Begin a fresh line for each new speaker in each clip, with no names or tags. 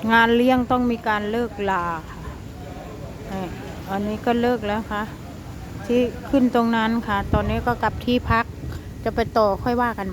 งานเลี้ยงต้องมีการเลิกลาค่ะอันนี้ก็เลิกแล้วค่ะที่ขึ้นตรงนั้นค่ะตอนนี้ก็กลับที่พักจะไปต่อค่อยว่ากัน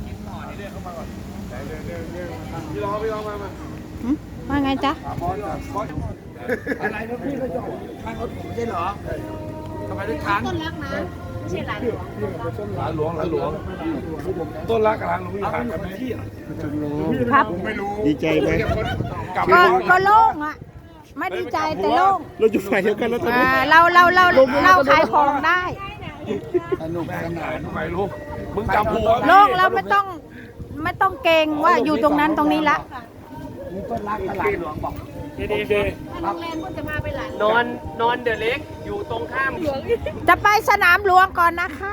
ว่าไงจ๊ะ
อะไรนะพี่ก็จอดข้างรถผมใช่เหรอทำไมถึงทันต้นรักนะไม่ใช่หลานหลวงหลานหลวงต้นรักกับหลานหลวงมีผ่านกันไหม
ครับ
ไม่รู้
ดีใจไหม
ก็โล่งอ่ะไม่ดีใจแต่โล่ง
เราอยู่ฝ่ายเดียวกันแล้วตอนนี้
เราขายของได้
สนุกสนานทำไมลูกมึงจำผัว
โล่งแล้วไม่ต้องเกรงว่าอยู่ตรงนั้นตรงนี้ละ
ต้นรักกับหลานหลวงบอกดี
โรงแรมก็จะมาไปหลาน
นอนเดอะเล็กอยู่ตรงข้ามหลวง
จะไปสนามหลวงก่อนนะคะ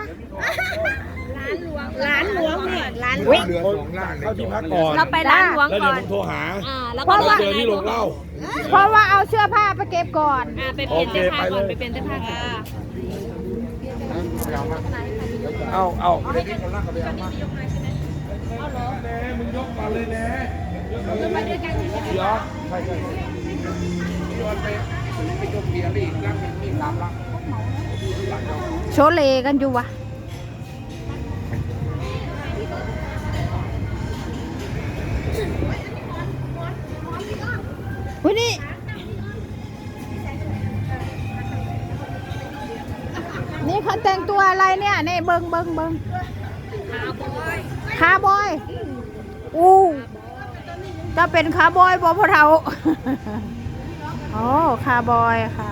ร้านหลวงเนี่ยร้านหล
เ
วง
รือสองล่างเข้าที่พักก่อน
เราไปร้านหลวง
แล้ว
ก่
เดี๋ยว
อน
ผมโทรหา
แล้ว
เพ
ก็
ราะว่า
เจอที่โรงเหล้า
เพราะว่าเอาเสื้อผ้าไปเก็บก่อน
ไปเปลี่ยนเสื้อผ้าก่อนไปเปลี่ยนเสื้อผ้าค่ะ
เอาไม่ได้คนล่างกับไปเอามามึงยกมาเลยนะ
ไปด้วยกัน
เดี๋ยวใช่โยนไปยกเบียร์ไปอีกลังนึงมี3 ลัง
โชเลกันอยู่วะวันนี้นี่เขาแต่งตัวอะไรเนี่ยนี่เบิงคาร์บอยอู้จะเป็นคาร์บอยบ่พวกเราโอ้คาร์บอยค่ะ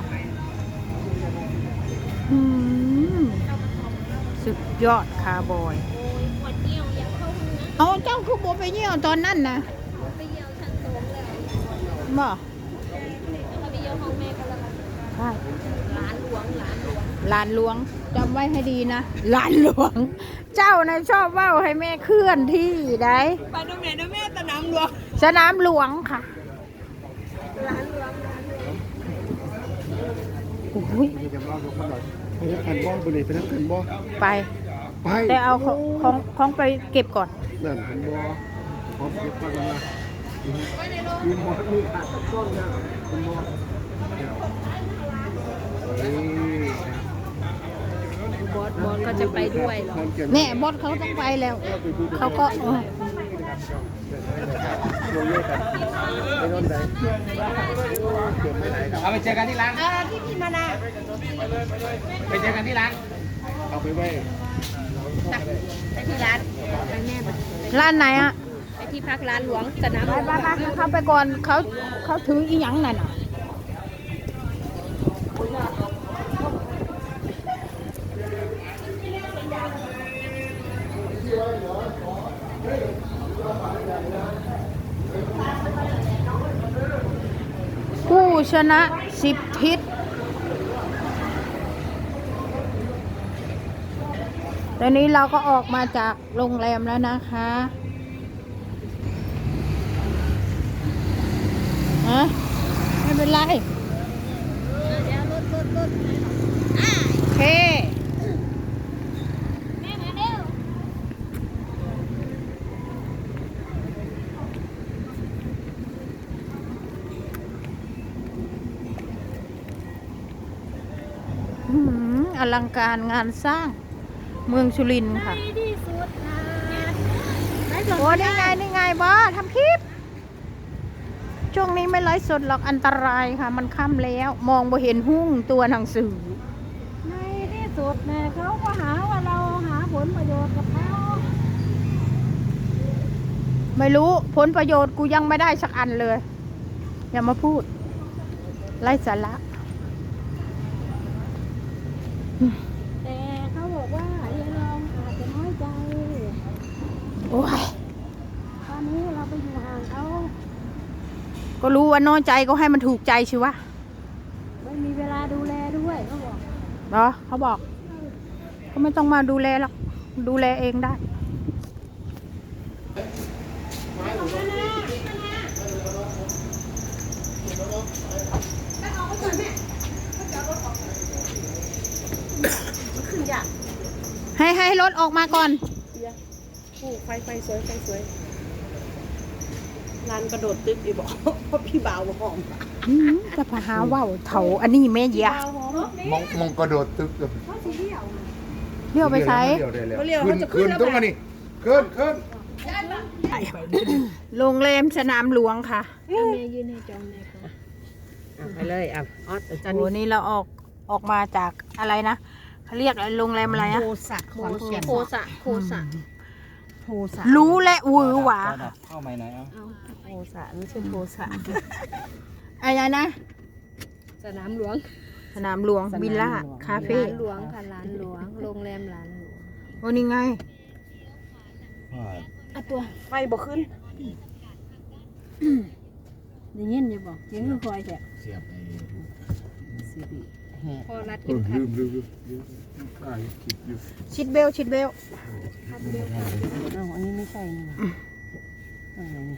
สุดยอดคาร์บอยเอาเจ้าคือโบไปเยี่ยวตอนนั้นนะ
ไปเยี่ยวชั้น2แล้ว
บ่
ไปเยี่ยวห้องแม่กันแล้ว
ใช่
ร้านหลวง
หลานหลวงจำไว้ให้ดีนะหลานหลวง เจ้านะชอบว่าให้แม่เคลื่อนที่ได้
ไปตรงไหนนะแม่สนามหลวง
สนามหลวงค่ะ
ร้านหลวง
โอ้ย
จะเล่าให้ฟังหน่อยไปทำกันบ่บริเวณไปทำกันบ่
ไป
ไป
แต่เอาของไปเก็บก่อน
นั่นกันบ่พร้อมเก็บฟังกันละมีหมดมีขาดต้นนะคุณบ่
บอสก็จะไปด้วยเหรอ
แน่บอสเขาต้องไปแล้ว เขาก็
เอาไปเจอกันที่ร้าน
ที่มานา
ไปเจอกันที่ร้าน
เอาไปไว้
ไปที่ร้านไปแม่ไป
ร้านไหนอะ
ไปที่พักร้านหลวงสนามหลวง
ไปเข้าไปก่อนเขาถืออีหยังนั่นน่ะผู้ชนะ10 ทิศตอนนี้เราก็ออกมาจากโรงแรมแล้วนะคะไม่เป็นไรโอเค
แม่มาเร็ว
อลังการงานสร้างเมืองสุรินทร์ค่ะ
ที่สุดนะ
โอ้นี่ไงบอสทำคลิปช่วงนี้ไม่ไลฟ์สดหรอกอันตรายค่ะ มันค่ำแล้วมองบ่เห็นหุ้งตัวหนังสือ
ในที่สุดเนี่ยเขาก็หาว่าเราหาผลประโยชน์กับเขา
ไม่รู้ผลประโยชน์กูยังไม่ได้สักอันเลย อย่ามาพูดไร้สาระ
แต่เขาบอกว่ายายลองอาจจะน้อยใจ
โอ้ย
ตอนนี้เราไปอยู่ห่างเขา
ก็รู้ว่าน้อยใจก็ให้มันถูกใจชิวะ
ไม่มีเวลาดูแลด้วยเขาบอก
เหรอเขาบอกก็ไม่ต้องมาดูแลหรอกดูแลเองได้ให้รถออกมาก่อน
ไฟสวยร้านกระโดดตึกอีบอกเพราะพี่บ่าวหอม
จะพาหาว่าวเถาอันนี้แม่เยะ
บ่าวหอม
มองกระโดดตึกกับ
เขาสีเดียว
เลี้ยวไปใช้
เขาเรียกว่าจะขึ้
ขึ้
น
น
แล้ว
ต้องมานี่ขึ้น
โรงแรมสนามหลวงค่ะ
แม่ยืนให้จองเลยค่ะไปเลยอ่ะออสจัน
โอ้นี่เราออกมาจากอะไรนะเขาเรียกอะไรโรงแรมอะไรนะ
โคสะโคสะโคสะโคสะ
รู้และวือหวา
เข้าใหม่ไหนเอา
โคสะนี่ชื่อโคสะ
อะไรนะ
สนามหลวง
สนามหลวงวิลล่าคาเฟ่
ร้านหลวงค่ะร้านหลวงโรงแรมร้านหลวง
โอ้นี่ไง
อ่ะตัวไฟบ่ขึ้นได้ยินอยู่บอกเสียงคือคอยแท้
เสียบไอ้
พอรัดกินครับ
ลืมถ่ายคลิปอยู่
ชิดเบลชิดเบล
อ้าวอันนี้ไม่ใช่นี่นะอะไรนี่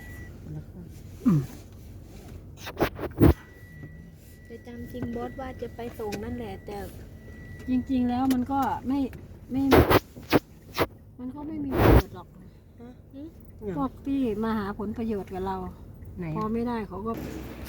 จะจำจริงบอสว่าจะไปส่งนั่นแหละแต่จริงๆแล้วมันก็ไม่มันก็ไม่มีประโยชน์หรอกพวกที่มาหาผลประโยชน์กับเราพอไม่ได้เขาก็